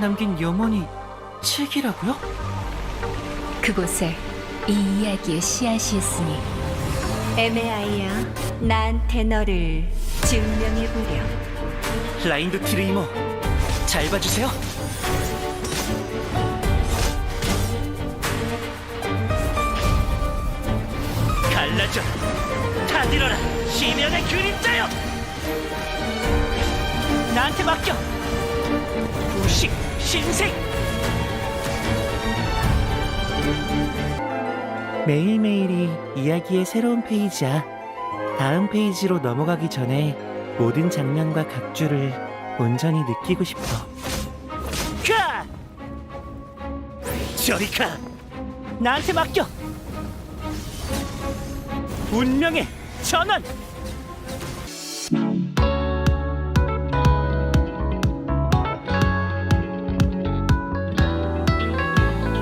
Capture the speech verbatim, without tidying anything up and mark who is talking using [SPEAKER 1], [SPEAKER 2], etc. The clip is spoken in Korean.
[SPEAKER 1] 남긴 영혼이 책이라고요?
[SPEAKER 2] 그곳에 이 이야기의 씨앗이 있으니 에메아이야, 나한테 너를 증명해보렴.
[SPEAKER 1] 라인도티르 이모, 잘 봐주세요. 갈라져, 타들어라, 심연의 그림자여! 나한테 맡겨! 우식, 신생! 매일매일이 이야기의 새로운 페이지야. 다음 페이지로 넘어가기 전에 모든 장면과 각주를 온전히 느끼고 싶어. 가! 저리 가! 나한테 맡겨! 운명의 전원!